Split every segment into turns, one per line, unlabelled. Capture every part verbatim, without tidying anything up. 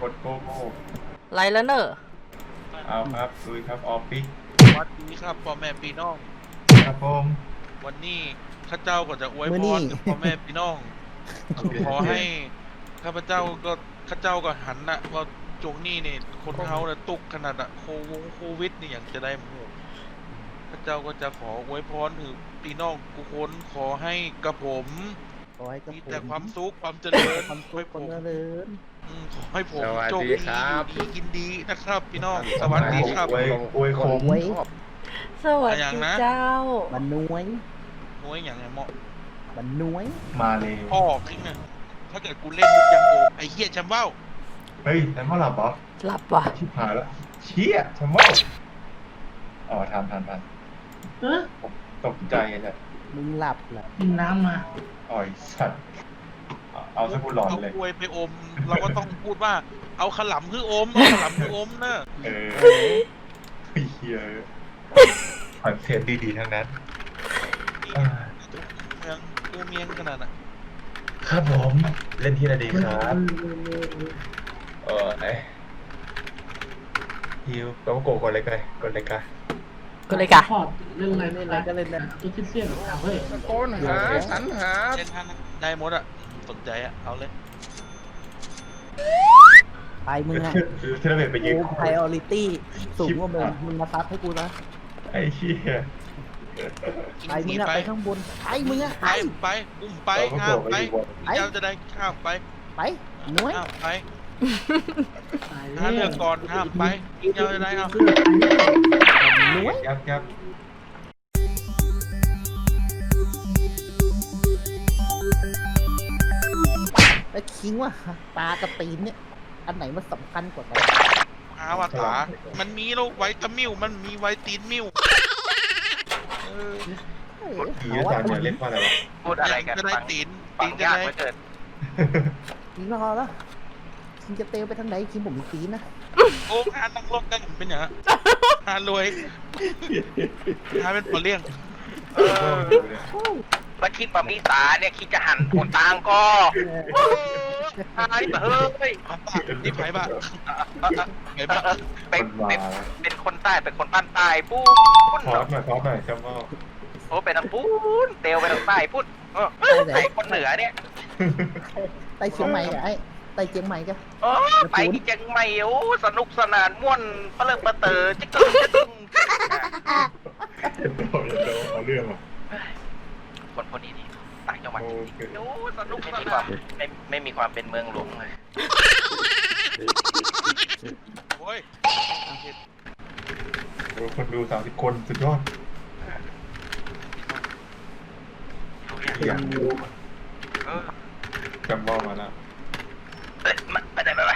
ดโกโก้
ไรแล้วเนอะ
เอาครับลุยครับออฟฟิศ
วัดนี้ครับพ่อแม่พี่น้อง
ครับผม
วันนี้ข้าเจ้าก็จะอวยพรกับพ่อแม่พี่น้อง ขอให้ข้าพเจ้าก็ข้าเจ้าก็หันนะว่าจงนี่เนี่ยคนเขาเนี่ยตุกขนาดอะโควงโควิดนี่อย่างจะได้หมู่ข้าเจ้าก็จะขออวยพรถึงพี่น้องทุกคนขอให้กระผม
ขอให้กับ
มี
ผม
แต่ความสุขความเจริญ
ความสุ
ให้
ข
ผ
ความ
ม
เจริญ
อืมขอให้ผม
สวัส
โชค
ดี
ดี
ครับ
อยู่ดีกินดีนะครับ พี่น้องสวัสดีครับ
อวยอวยโคม
ไว้
สวัส
อย่าง
ดี
นะ
เจ้า
บันน้วย
น้อยอย่างไงเหมาะ
บันน้วย
มาเลย
พ่อขึ้นนะถ้าเกิดกูเล่นมุกยังโอมไอ้เหี้ยแชมเบ้า
เฮ้ยแต่ว่าหลับเหรอ
หลับว่ะ
ชิบหายแล้วเชี่ยชะโม่อ๋อทันทันทัน
เออ
ผมตกใจเลย
มึงหลับเหรอ
กินน้ำมา
อ่อยสัตว์เอาเอาซะกูหลอนเลย
เอาอวยไปอม เราก็ต้องพูดว่า เอาขลำคืออม เอาขลำคืออมเนอะ
เออเฮ้ยเฮียคอนเทนต์ดีๆทั้งนั้นอ่า
เมืองกูเมียงขนาดน่ะ
ครับผมเล่นที่ไหนดีครับ เออไหนฮิวแล้วก็โกกดเลยกันกดเลยกัน
ก็เลยกะ
พอดเรื่องอะไร
เล่นอะไรก็เล่นนะ
ตัวที่เสี้ยนเอาเฮ้ย
ตะโกนหาสรรหา
เล่นท่านั้นได้หมดอ่ะ สนใจอ่ะ เอาเลย
ไปมึงอะ
ที่เราเห็นไปยืน
กู priority สูงกว่ามึงมึงมาซับให้กูนะ
ไอ้เชี่ย
ไปมึงอะไปข้างบนไปมึงอะ
ไป
ไป
ไป อุ้มไป
เราก็
ห้า
โก
ม
ก
ไป
ไปอยู่บน
เจ้าจะได้ข้ามไป
ไปน้วย
ห้ามไป
ตาย
ถ้าเลือกก่อนห้ามไปเจ้าจะได้เอา
น้วย
ยับยับ
แล้วคิงว่าตากับตีนเนี่ยอันไหนมันสำคัญกว่ากัน
หาว่าขามันมีโรคไวตามิวมันมีไวตีนมิวเออ
เออ
ผี
เอา
อา
ว่า
จารย์จะเล่นว่าอะไรวะ
พูดอะไรกัน
จะได้
ฟัง
ตีน
ฟั
ตี
ง
นจะ
ยาก
ได้
เหลือเกิน
คิงรอแล้วคิงจะเตลไปทางไหนคิงผมมีตีนนะ
โอ้หานั่งลงกันเป็นอย่างนั้นหารวยหาเป็นปอเลี้ยง
เออมาคิดว่ามีสาเนี่ยคิดจะหันคนต่างก็ตายเฮ้ย
นี่ไผ่บ้าไผ่บ้า
เป็น
คน
เป็น
มา
เป็นคนใต้เป็นคนบ้านใต้ปุ้น
พอดหน่อยพอดหน่อยจำว่า
โอ้เป็นทางปุ้นเตียวไปทางใต้ปุ้นเออไอ้คนเหนือเนี่ย
ไต่เชียงใหม่กับไอ้ไต่เชียงใหม่กับ
โอ้ไปที่เชียงใหม่โอ้สนุกสนานม่วนเปลิงประเตอจิ๊กกึ๊งจิ๊กกึ๊ง
เอาเรื่องอ่ะ
คนคนนี้นี่ต่างจังหวัด
โอ
จ
เค
ริงๆโอ้สนุกไม่มีความไม่ไม่มีความเป็นเมืองหลวงเลย
โอ้ย
โอ้คนดูสามสิบคนสุดยอดอยากดู
เออ
จำว่ามาแล้ว
เอ้ยมาไปไหนไปไหน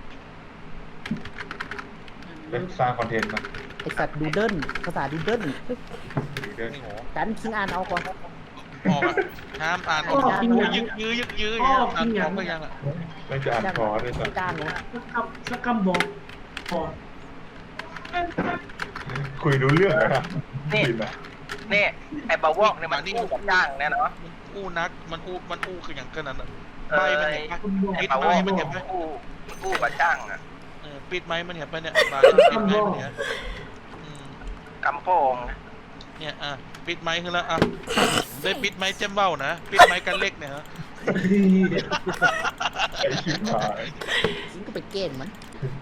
เป็นสร้างคอนเทนต์มา
ไอสัตว์ดูเดิลภาษาดูเดิล
ดูด้วย
นี่โห
กันคิงอ่านเอาก่อน
ออกอ่ะห้ามอ่านออกโอ้ยยึกยื้อยึกยื้ออย่างเงี้ยอ่านออกก็ยังอ่ะ
ไม่จะอ่านคอด้วยสัก
จ้างเลย
สักคำสักคำบอกพอด
คุยรู้เรื่องนะคุยนะ
นี่ไอ้บาวอกเนี่ยมันอู้กับจ้างเนี่ยเนาะ
มันอู้นักมันอู้มันอู้คืออย่างกันนั้นอ่ะ
เอ
ใบ
อ
มัน
ไอ้
เห็นปะ
คุณบอก
ไอ้
ปิด
บาว
ไม้
อก
มั
มัน น
เห็นปะ
อู้อู้กับจ้างอ่ะ
เออปิดไม้มันเห็นปะเนี่ยใบปิดไม้มันเห็นอืม
กำโพง
เนี่ยอ่ะปิดไม้คือแล้วอ่ะได้ปิดไม้เจ้มเบ้านะปิดไม้กันเล็กเนี่ยฮะ
ไอ้ชิบหาย
คิงก็ไปเกณฑ์มัน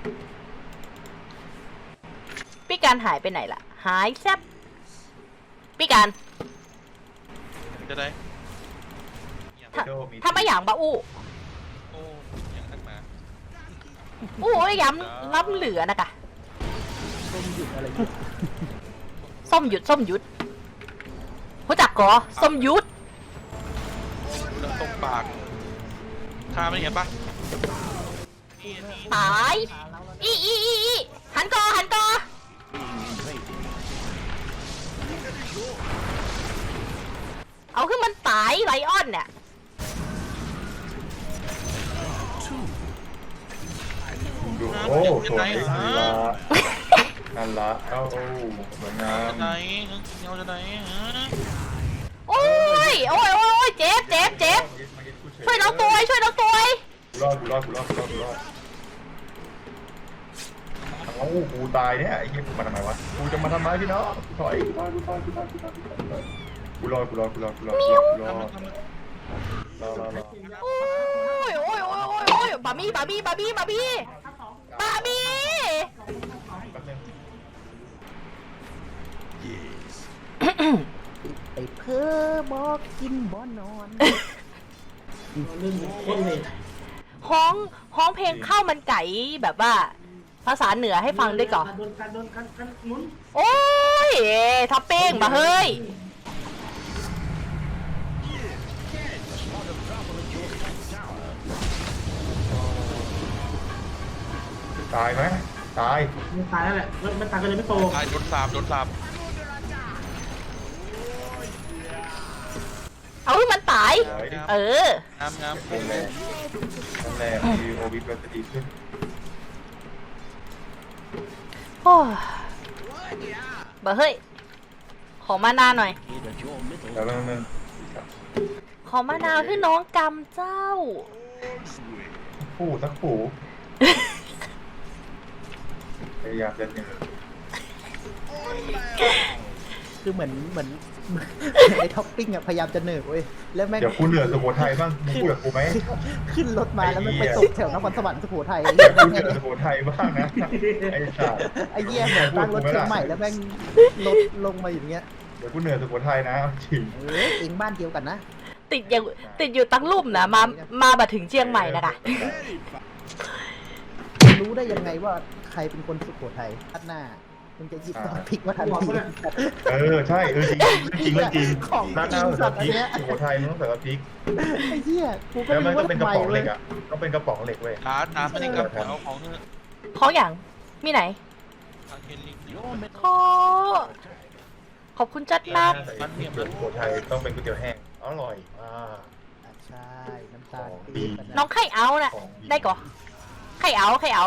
พี่การหายไปไหนล่ะ หายแซบพี่การ
จะได้
ถ้าถ้าไม่อย่างบะอู้
โอ้ยังนักหนา
อู้ยย้ำล้ำเหลือนะกะ
ต้มหยุดอะไรหยุด
ส้มหยุดส้มหยุดรู้จักกอส้มหยุด
ดูแล้วตรงปากทาไม่เห็นปะนี่นี่
ตายอีอีอีอีหันกอหันกอเอาขึ้นมันตายไลออนเนี่ย
ดูโอ้สวยนั่นละนั่นละเอ้าโอ้สวยงาม
จะไหนเงาจะไหนฮะ
โอ้ยโอ้ยโอ้ยเจ็บเจ็บเจ็บช่วยน้องตัวช่วยน้องตัว
รอดกูรอดกูรอดกูรอดกูรอดกูตายเนี่ยไอ้เหี้ยกูมาทำไมวะกูจะมาทำไมพี่น้องถอยถอยกูถอยกูถอยกูถอยกูรอกูรอกูรอกูรอกูรอกูรอรอรอรอ
โอ้ยโอ้ยโอ้ยโอ้ยโอ้ยบาร์บี้บาร์บี้บาร์บี้บาร์บี้บาร์บี้
แป๊บนึง
ไปเพ้อบอกกินบ่นอน
เรื่องโคตรเลย
ฮ้องฮ้องเพลงข้าวมันไก่แบบว่า ภาษาเหนือให้ฟังด้วยก่อน
โดนกันโดนกันกันหมุน
โอ้ยท็อปปิ้งมาเฮ้ย
ตายไหมตาย
มันตายแล้วแหละมันตายกันเลยไม่โต
ตายโดนสาบโดนสาบ
เอาให้มันตาย
สวย
เออ
งามงาม
นั่นแหละนั่นแหละมีโอวิทก็จะดีขึ้น
โอ้ยบาเฮ้ย ขอมานาวหน่อย
แล้วแล้วนึง
ขอมานาวให้น้องกำเจ้า
ผู้สักผู้พยายามจะเหนื่อย
คือเหมือนเหมือนไอ้ท็อปปิ้งอะพยายามจะเหนื่อยเว้ยแล้วแม่ง
เดี๋ยวกูเหนื่อยสุโขทัยบ้างมึงพูดกับกูไหม
ขึ้นรถมาแล้วมันไปตกแถวนครสวรรค์สุโขทัย
เดี๋ยวกูเหนื่อยสุโขทัยบ้างนะไอ้สัส
ไอ้เหี้ยเหมือนตั้งรถเชียงใหม่แล้วแม่งรถลงมาอย่างเงี้ย
เดี๋ยวกูเหนื่อยสุโขทัยนะจริง
เออเองบ้านเดียวกันนะ
ติดอยู่ติดอยู่ตั้งลุ่มนะมามาบัดถึงเชียงใหม่นะคะ
รู้ได้ยังไงว่าใครเป็นคนสุโขทัยทัดหน้ามึงจะหยิบท็อปปิ้งมาทันที
เออใช่เออจริงจริงเรื่องจริง
ของ
ร้าน
จริ
ข้างว
สั
ใส่
ตว์
พ
อั
ริ
น
ก
เนี้ย
สุโขทัยมันต้องใส่พริก
ไอ้เหี้ยกูก็
แล้ว
ไม่
มัน
รู้
ก็
ว่า
เป็นกระป๋องเห
ทำไมเล
ล็
ย
กอ่ะต้องเป็นกระป๋องเหล็กเว้ย
ร้านน้ำไม่ได้กลับเอาของเถอะ
ขออย่างมีไหน
ทางเฮลิง
ขอขอบคุณจัดนัก
มันเนี่ยสุโขทัยต้องเป็นก๋วยเตี๋ยวแห้งอร่อยอ่า
อ่ะใช่น้ำตาล
ของ
ปี๊
ดี
บอะนะ
น้องไข่เอาน่ะ
ของดี
ได้ก่อไข่เอาไข่เอา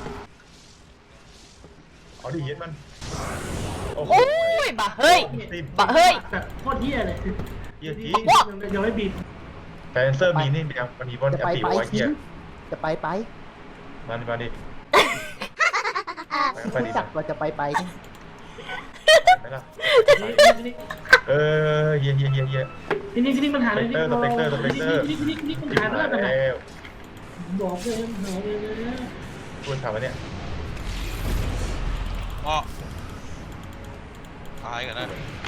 เอาดิเย็ดมันโอ้โห
โอ้ยบะเฮ้ย
ติม
บะเฮ้ย
แต่โคตรเหี้ยเลย
เยี่ยที
ยังไม่บีบ
แต่เซอร์มีนี่เดียวมันมีบอล
จะ
แอป
ไป
ติ
ไป
ไว้
ทิ้
เหี้ย
งจะไปไป
มาดิมาดิไปดิ
รู้จักว่าจะไปไป
ไหมล่ะเออเยี่ยเยี่ยเยี่ยเยี่ย
ทีนี้ทีนี้มันหายเลยนี่
สเปกเตอร์สเปกเตอร์
ทีนี้ทีนี้ทีนี้มันหายไปแล้วแต่ไหน
แล้ว
บอกเลยหายเลยนะ
พูดถามว่าเนี่ย
อ้อตายกันนะ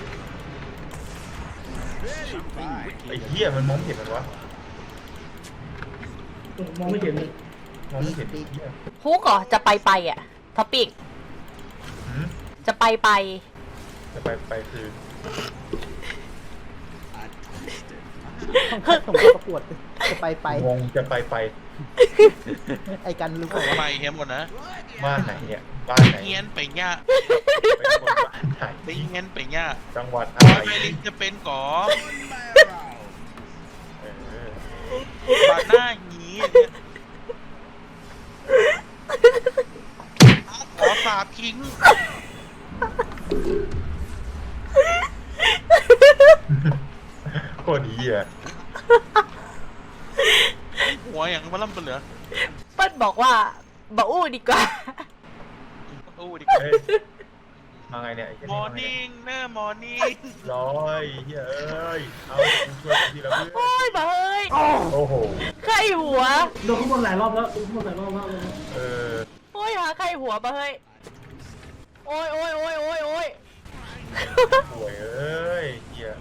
ไอ้เหี้ยมันมองเห็นมันวะ
มองไม่เห็นเลย
มองไม่เห็นไอ้เหี้ย
ฮุกเหรอจะไปไปอ่ะท็อปปิ้ง
หืม
จะไปไป
จะไปไปคือ
ต้องคัดส่งเข้าประกวดจะไปไป
งงจะไปไป
ไอ้กันรู้เปล่า
ทำไม
ว่า
เฮียหมดนะ
บ้านไหนเนี่ยบ้านไหน
เฮียนไปย่า
เป็นคนบ้านไหน
ไปเฮียนไปย่า
จังหวัดอะ
พอ
ไร
ไปลิงจะเป็นก่อ
เออบ
าดหน้าหยีขอสาบทิ้ง
โคตรดีอ่ะ
หัวอย่างมันล่ำเป็นเหลือ
เปิ้ลบอกว่าบะอู้ดีกว่า
อู้ดิ
เฮ้ยมาไงเนี่ยไอ้เหี้ย
มอ
นี่
ร์นิ่งเนอร์มอร์นิ่ง
ร้อยเฮ้ยเอ้ยเอากูช่วยทีละเพื่
โอ้
อน
ยบะเฮ้ย
โอ้โห
ไข่หัว
โดนข้างบนหลายรอบแล้วโดนข้างบนหลายรอบแล้วเลย
เออ
โอ้ยหาไข่หัวบะเฮ้ยโอ้ยโอ้ยโอ้ยโอ้ยโอ้ย
ป่วยเอ้ยเหี้ย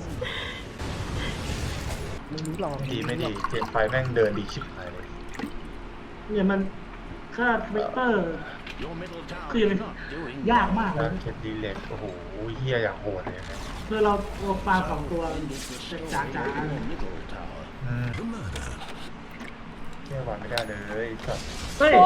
มึงรู้ลอง
ดีไม่ดีเจนไฟแม่งเดินดีชิบหายเลย
เนี่ยมันค่าทวิตเตอร์คือยังไงยากมากเล
กาย รเข็ดดีเล็กโอ้โหเฮียอย่างโหดเลยนะ
เพื่อเราเอาปลาสองตัวจากจ๋าๆเลย
อืมเฮียหวานไม่ได้เลยสัตว์
เฮ้ย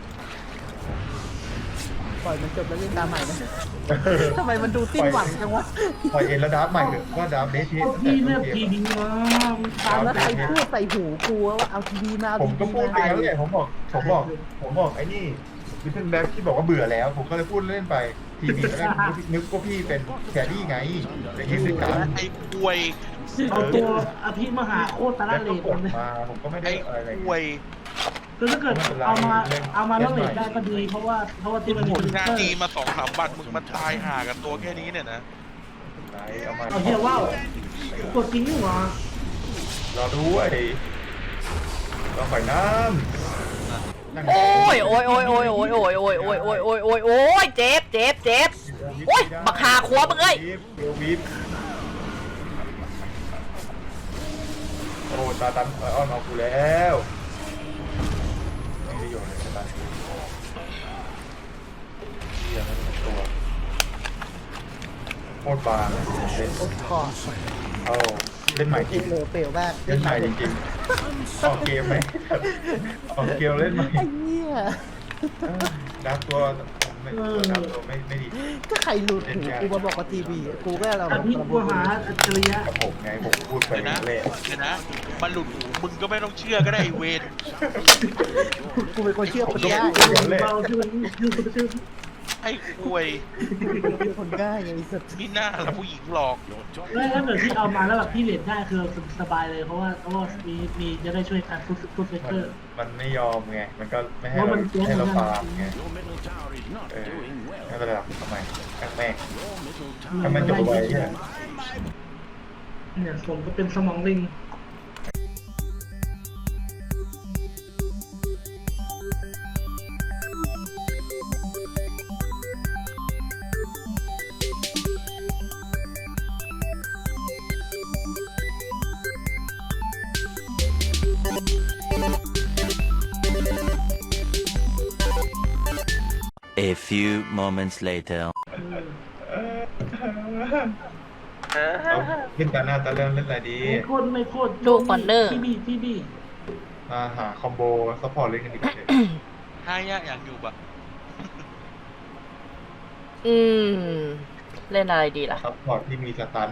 ปล่อยมันจบแล้วเล่นตามใหม่นะทำไมมันดูสิ้นหวังจังวะ
ปล่อยเอ็นแล้วดับใหม่เถอะว่าดับเดช
เอาพี่เนี่ยพีดีมา
ตามแล้วใครพูดใส่หูกูว่าเอาทีวีมาเอา
ผม
ที
ก็
วี
พูดไป
มา
แล้วเนี่ยผมบอกผมบอกผมบอกไอ้นี่วิทเทนแบ็กที่บอกว่าเบื่อแล้ว ผมก็เลยพูดเล่นไปทีวีแล้วนึกว่าพี่เป็นแคดดี้ไงอย่างนี้สิครับ
ไอ้ป่วย
เอาตัวอภิมหาโคตรตะ
แล้ว
เล
ก็
ด
กด
เลย
มาผมก็ไม่ได้
ไอ้
อะไร
ป่วย
คือถ้าเกิดเอามาเอามาแล้วเลทได้ก็ดีเพราะว่าเพราะว่าที่มันมี
ผล
ฟิล
งาน
เตอร์
ดีมาสองสามวันมึงมันตายห่ากันตัวแค่นี้เนี่ยนะ
ไหนเอามา
เอาเฮียว้าวกดจริงนี่หว่าร
อด้วยรอไฟน้ำนั่ง
โอ้ยโอ้ยโอ้ยโอ้ยโอ้ยโอ้ยโอ้ยโอ้ยโอ้ยโอ้ยโอ้ยโอ้ยเจ็บเจ็บเจ็บโอ้ยบักหาขวบมึงเอ้ย
เดี๋ยววิบโอ้ตาตันอ้อนเอากูแล้วไม่ได้โยนเลยตาเฮียไม่เป็นตัวโคตรบางเล่น
โอ้คอ
เอาเล่นใหม่จริง
เหลวเปลวมาก
เล่นใหม่จริงๆออกเกมไหมออกเกมเล่นใหม่
ไอ้เนี่ย
ดับตัวไม่ดับตัวไม่ไม่ดี
ก็ใครหลุดหูกูมาบอกกับทีวีกูก็เรา
อันนี้กูหาอัจฉริยะ
กับผมไงผมพูดไป
เดี๋ยวนะ
เละ
เดี๋ยวนะมันหลุดหูมึงก็ไม่ต้องเชื่อก็ได้ไอ้เวร
กูเป็นคนเชื่อคนง่าย
เบาชื่อมันชื่อมันชื่อ
ไอ้ควย
เป็นคนง่ายไงไอ้สัตว์
นี่หน้าละผู้หญิงหลอก
แล้วถ้าเกิดที่เอามาแล้วแบบพี่เลทได้คือสบายเลยเพราะว่าเพราะว่ามีมีจะได้ช่วยการฟุตฟุตเฟก
มั
เต
น
อร์
มันไม่ยอมไงมันก็ไม่ให้เราให้เราฟาร์มไงเออไม่เป็นไรหรอกทำไมแม่งแม่งถ้ามันจบไว้เนี่ย
เนี่ยสมก็เป็นสมองลิง
A few moments later.
เอาขึ้นตาหน้าตาเรื่องเล่นอะไรดี
ไม่โคตรไม่โคตร
ดูคอนเนอร์
พี่บี้พี่บี้
มาหาคอมโบซัพพอร์ตเล่นกันดีกว่าเถอะ
ห้ายากอย่างอยู่ปะ
อืม เล่นอะไรดีล่ะ
ซัพพอร์ตที่มีสตัน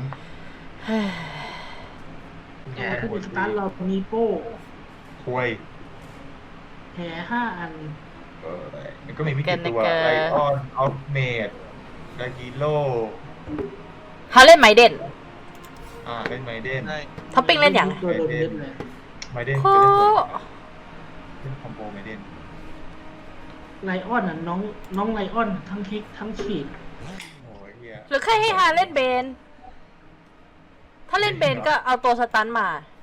แต่ถ้าเป็นสตาร์ทเรามีโป้
คุย
แห่ห้าอัน
เออมันก็มีไม่กี่ตัวไลออนออฟเมดดากิโล
ฮาเล่นไมเดน
อ่าเล่นไมเดน
ได้
ท็อปปิ้งเล่นอย่าง
ตัวโดนเล่นเลย
ไมเดน
โค
เล่นคอมโบไมเดน
ไลออนอ่ะน้องน้องไลออนทั้งคิกทั้งฉีด
โอ้ยเฮีย
หรือแค่ให้ฮาเล่นเบน ถ้าเล่นเบนก็เอาตัวสตันมา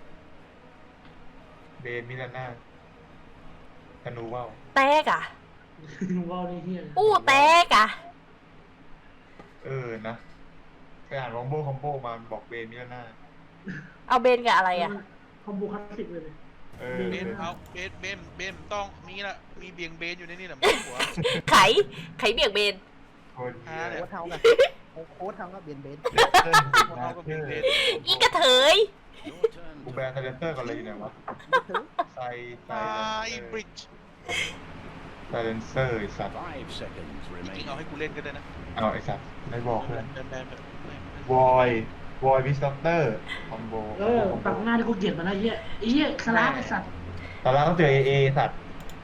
เบนมิลาน่าธนูว่าว
แตกอ่ะ
ว้าวนี่เฮีย
อู้แตกอ่ะ
เออนะไปอ่านคอมโบคอมโบมาบอกเบนมิลาน่า
เอาเบนกับอะไรอ่ะ
คอมโบคลาสสิกเลย
เออ
เบนเอาเบนเบนเบนต้องมีละมีเบียงเบนอยู่ในนี่แหละไม่หัว
ไข ไขเบี่ยงเบน
คนเฮีย
โค้ดเท่ากันโค้ดเท่ากับเบียนเบน
เติ้ล
หัว
นา
เอาก็
เธ
เบีย
อง
เบน
อีกระเถย
กูแบนไทเลนเตอร์ก่อนเลยอยู่ไหนวะไซไซ
ตายบริดจ์
ไซเลนเซอร์ไอสัตว์
จริงเอาให้กูเล่นก็ได้นะ
เอาไอสัตว์ไม่บอกเลย
แบนแบนแบน
วอยวอยวิสเตอร์คอมโบ
เออตัดหน้าที่กูเกลียดมาแล้วเฮียไอ้เฮียคาราไอ้สัตว์
ตอนแรกต้องเจอเอเอสัตว์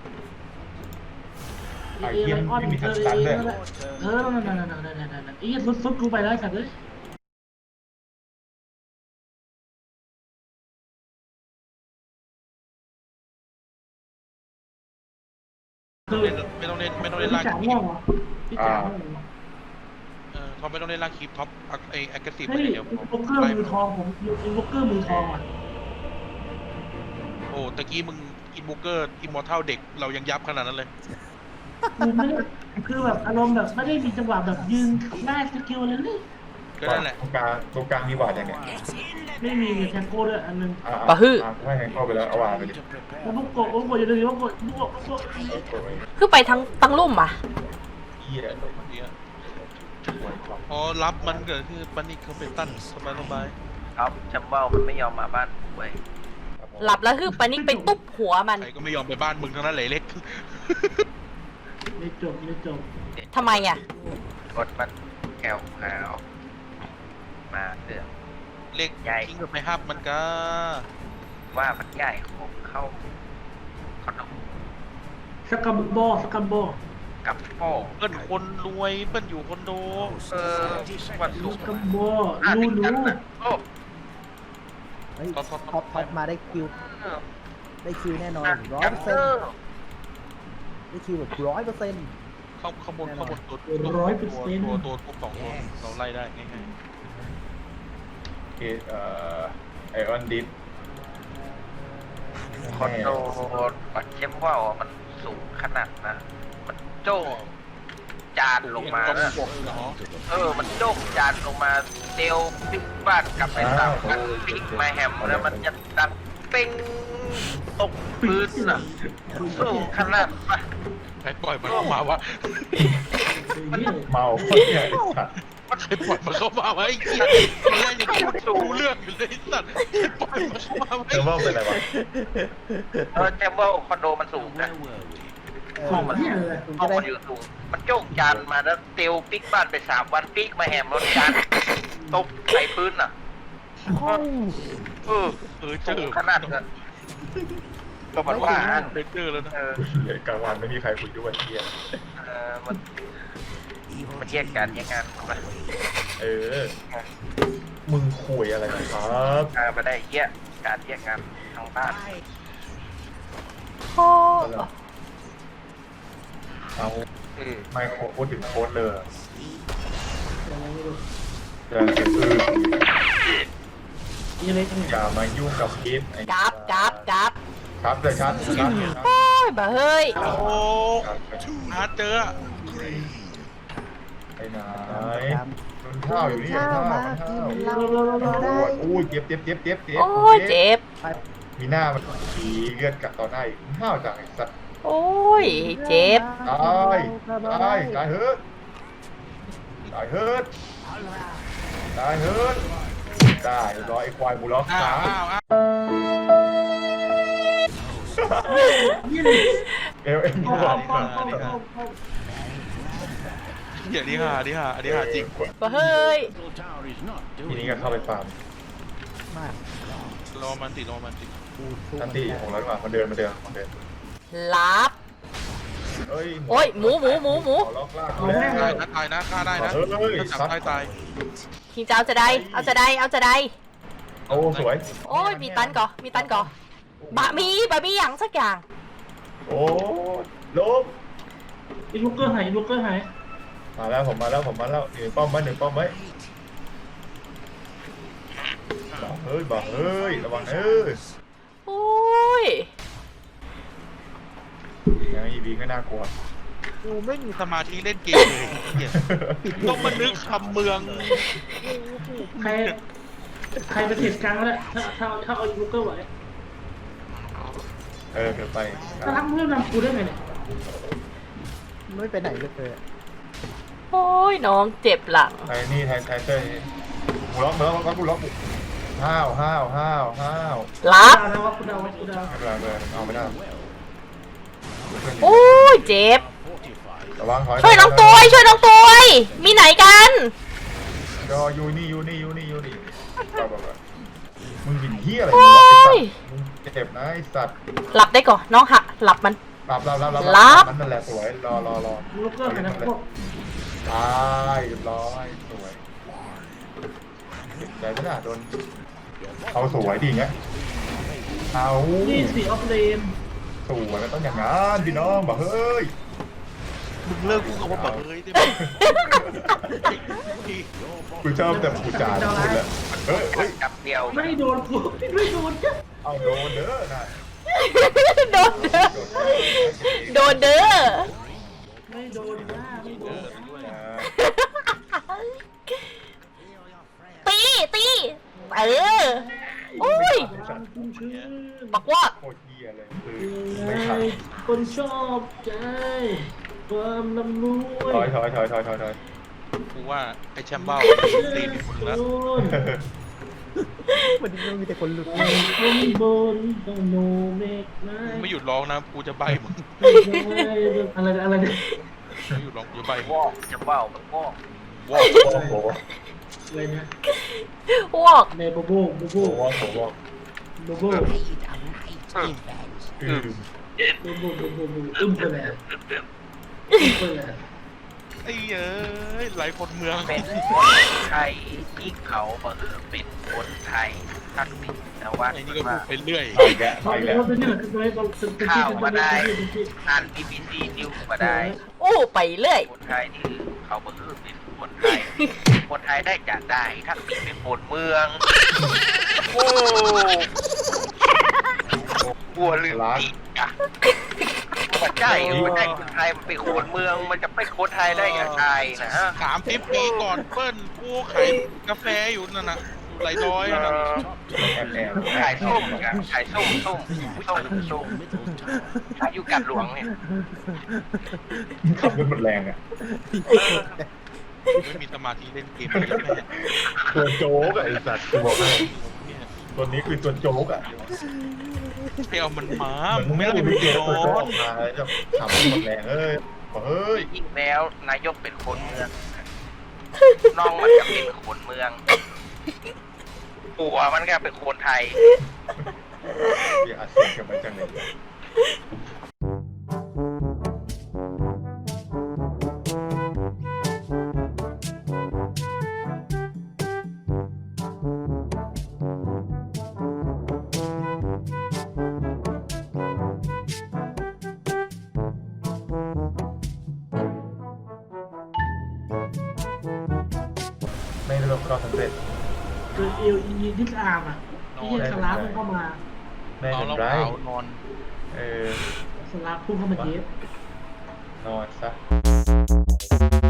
ไอ้ไลออนเออเออเออนั่นนั่นนั่นนั่นนั่นนั่นไอ้เฮียซุดซุดกูไปแล้วสัตว์เลย
ไม่ต้องเล่นไม่ต้องเล่นไม่ต้องเล่น
พี่
ลาก
จ๋า
คี
ง่ว
ป
งเหรอพี่จ๋าง่วงเหรอ
เออเขาไม่ต้องเล่นลากคีปท็อปไอแอคทีฟ
เฮ้ย
เดี๋ยว
อินวอเกอร์มือทองผมอินวอเกอร์มือทองอ่ะ
โอ้ตะกี้มึงอินบูเกอร์อิมมอร์ทัลเด็กเรายังยับขนาดนั้นเลย
กูไม่ได้คือแบบอารมณ์แบบไม่ได้มีจังหวะแบบยืนได้สกิลเลยเลย
ก็นั่นแหละ
ตรงกลางตรงกลางมีหวาดยังไง
ไม่มีแทงโก้ด้วยอันนึง
อ่า
ปะฮึ
อ่าให้แฮงเข้าไปแล้วเอาหวาดไปดิ
แล้วพวกโกะพวกโกะอยู่เลยพวกโกะพวกโกะพวกโกะ
คือไปทั้งตั้งลุ่มอ่ะ
เหี้ย
เนี่ยพอรับมันเกิดคือปันนี่เขาเป็นตั้นสบายสบาย
ครับจำว่ามันไม่ยอมมาบ้านกูเว้ย
หลับแล้วคือปานิกไปตุ๊บหัวมัน
ใครก็ไม่ยอมไปบ้านมึงทั้งนั้นเลยเล็ก
ไม่จบไม่จบ
ทำไมอ่ะ
กดมันแก้วขาวมาเรื่อง
เล็กทิ้งกับไปฮับมันก็
ว่ามันใหญ่ของเข้าขนม
สกัมบอสกัมบอ
กับโป้
เปิ้นคนรวยเปิ้นอยู่คอนโด
เออวัน
ส
ศุกร์
กัมบอ
อ่ะ
รู้
ถึงกัน
รู้
นะโอ้
เฮ้ยท็อปท็อปมาได้คิว ได้คิวแน่นอนร้อย
จัม
เปอร์
เต
เซ็น
อ
ต์
ร์
นี่คิวแบบร้อยเปอร์เซ็นต์
ข้างข้างบนข้างบนตัว
ร้อยเปอร์เซ็นต์
ตัวตัวตัวสองตัวเราไล่ได้ง่าย
เอเอ่อไอออนดิฟ
คอนโดปัดเข้มว่าวมันสูงขนาดนะ มันโจ้จานลงมา
ต้อง
นะ
บวกเนาะ
เออ มันโจ้จานลงมาเตียวปิ๊กบ้านกลับไปสามกันปิ๊กมาแฮมแล้วมันจะดังเป้งตกพื้นน่ะสูงขนาดปะ
ใครปล่อยมันเข้ามาวะ
เมาเนี่ย
ใครปล่อยมันเข้ามาวะไอ้เหี้ยตอนแรกยังพูดรู้เรื่องอยู่เลยไอ้สัตว์ใครปล่อยมันเข้ามาวะ
เธอว่าเป็นอะไรวะ
เออแจมว่าคอนโดมันสูงนะ ห้องมันห้องมันอยู่สูงมันโจกจานมาแล้วเตียวปิ๊กบ้านไปสามวันปิ๊กมาแหมรถจานตกใส่พื้นน่ะเออ
เออเจ
สู
อง
ขนาดนั้นก็มันว่า
เบเจอร์แล้วนะ
เออ
เดี๋ยวกลางวันไม่มีใครคุยด้วยเที่ย
เออมันมันแยกกันแยกงานมา
เออ มึงคุยอะไรนะครับ
เออมาได้เยี่ยการแยกงานทางบ้าน
โอ้
เอา
เออ
ไม่โคพูดถึงโค้ดเลยเดินเก็บอือ
นี่เล็กเนี่ย
อย่ามายุ่งกับพีทไอ้
จับจับจับ
ครับเลยครับครับ
โอ้ยบ่เฮ้ย
โอ้อาเจอ
ไอ้ไหนมันข้าวอยู่นี่ข้าวมันข้าว
เราเราเราได้
โอ้ยเจ็บเจ็บเจ็บเจ็บเจ็บ
โอ้ยเจ็บ
มีหน้ามันผีเลือดกัดต่อหน้าอีกข้าวจังไอ้สัตว์
โอ้ยเจ็บ
ตายตายตายเฮิร์ตตายเฮิร์ตตายเฮิร์ตได้รอไอ้ควายมูล็อก
อ้า
ขาว
อ้าวอ้าว
เอลเอ็ม
ป้อ
บอ
ม
ก
ป้อมป้อมป้อมป้อม
เดี๋ยวนี้ฮะนี่ฮะอันนี้ฮะจริง
บ่เฮ้ย
ทีนี้ก็เข้าไปฟาร์ม
มาก
รอมันติรอมันติ
กูสู้
ทันทีของเราดีกว่ามาเดินมาเดินมาเดิน
ลับ
เอ้ย
โอ้ยหมูหมูหมูหมู
ขอล็อกลาก
เอา
แล้
แม่ง
ว
ตายนะตายนะฆ่าได้นะ
เฮ้ย
ถ้าจับ
ซัด
ตายตาย
คิงจะเอาจะได้เอาจะได้เอาจะได้
โอ้สวย
โอ้ยมีตันก่อมีตันก่อบะมีบะมีอย่างสักอย่าง
โอ้ลบ
อีลูกเกอร์หายอีลูกเกอร์หาย
มาแล้วผมมาแล้วผมมาแล้วหนึ่งป้อมไว้หนึ่งป้อมไว้บอกเฮ้ยบอกเฮ้ยระวังเอ้ย
โอ้ย
ยังอีวีก็น่ากลัว
กูไม่มีสมาธิเล่นเกมเลยเหี้ยต้องมานึกคำเมือง
ใครใครไปเทรดกลางแล้วเนี่ยถ้าถ้าถ้าเอาอีลูกเกอร์ไหว
เออเดี๋ยวไป
ถ้ารักเพื่อนนำกูได้ไงเนี่ย
ไม่ไปไหนเลย
โอ้ยน้องเจ็บหลัง
ไอ้นี่ไทยไทยเต้ยกูล็อกแล้วล็อกกูล็อกกูห้าวห้าวห้าวห้าว
ลับ
ดาวนะว่ากูดาวว่ากูดาว
ไม่เป็นไรไม่เป็นไรเอาไม่ได้
โอ้ยเจ็บ
ระวังถอย
ช่วยน้องตัวช่วยน้องตัวมีไหนกัน
รอยูนี่ยูนี่ยูนี่ยูนี่ก็แบบว่ามึงบินเหี้ยอะไร
โอ้
มึงวะไอ้สัต
ย
ว์มึงเจ็บนะไอ้สัตว์
หลับได้ก่อนน้องหะหลับมัน
หลับหลับหลับหลับ
หลับ
นั่นแหละสวยรอรอรอ
อีลูกเกอร์หายนะพวก
ตายเรียบร้อยสวยเจ็บใจไหมล่ะโดนเอาสวยดีเงี้ยเอา
นี่สีออฟเลน
สวยมันต้องอย่างนั้นพี่น้องบอกเฮ้ย
มึงเลิกกูกับว่าแบบเฮ้ยได้ไหม
กูชอบแต่กูจานพูดแล้วเฮ้ยเฮ้ย
กับเดียว
ไม่โดนกูไม่โดนจ้ะ
เอาโดนเด้อนะ
โดนเด้อโดนเด้อ
ไม่โดนนะไม่โดน
ตีตีเออโอ้ยบอกว่า
โคตรเหี้ยเลยคือไม่ทัน
คนชอบใจความลำรวย
ถอยถอยถอยถอยถอยถอย
กูว่าไอ้แชมเบ้าตีนมึงแล้ว
มันมีแต่คนหลุด
คนบนต้องโนเมกไ
มึงไม่หยุดร้องนะกูจะใบมึง
อะไรอะไรเนี่ย
ไม่หยุดร้องกูจะใบมึง
วอกจะว่าวมันวอก
วอก
โอ้โห
อะไรเนี่ย
วอก
ในโบโบโบโบ
โอ้โหโอ้โห
โบโบ
อืม
โบโบโบโบโบอึ้มไปแล้วอึ้มไปแล้ว
ไอ้เอ้ยไหลคนเมือง
เป็นคนไทยที่เขาเออเป็นคนไทยทักษิณนวัต
ไอ้นี่ก็พูดไปเรื่อย
ไปแกไปแก
เราเป็นนี่แหละคือตัวเราเป็นเป็นที่เป็นที่
อ่าน บี บี ซี นิวส์มาได้
โอ้ไปเรื่อย
คนไทยที่เขาเออเป็นคนไทย คนไทยได้จะได้ทักษิณเป็นคนเมือง โอ้กลัวลืมอีกอ่ะมันใช่มันใช่คนไทยมันเป็นคนเมือง มันจะเป็นคนไทยได้ยังไงนะฮะ
สามสิบปีก่อนเปิ้ลกูขายกาแฟอยู่นั่นน่ะไหลดอยนั่นน่ะ
แอบแอบ
ขายส้มกันขายส้มส้มส้มส้มขายอยู่กัดหลวงเนี่ย
ขับรถหมดแรงอ่ะ
ไม่มีสมาธิเล่นเกมเลยแม่
ตัวโจ๊กอะไอ้สัตว์กูบอกให้ตัวนี้คือตัวโจ๊กอ่ะ
เที่ยวมันมา
เหมือนมึงไม่
ไม่
ได้
ได้
ไป
ไป
เจอ
โด
ตัวโจ๊ก
น
ออกมาแล้วจะขับรถหมดแรงเอ้ยบอกเฮ้ย
ยิ่งแล้วนายกเป็นคนเมือง น้องมันก็เป็นคนเมืองปู่มันก็เป็นคนไทย
อย่าอัดเสียงกันไปจังเลย ไม่ประสบความสำเร็จ
คือเอลอีดิสอาร์มอ่ะที่สลาฟเข้ามา
ไม่
นอน
เป็น
แล้ว
ไร
เผานอน
เออ
สลาฟพุ่งเข้ามาเย็บ
นอนซะ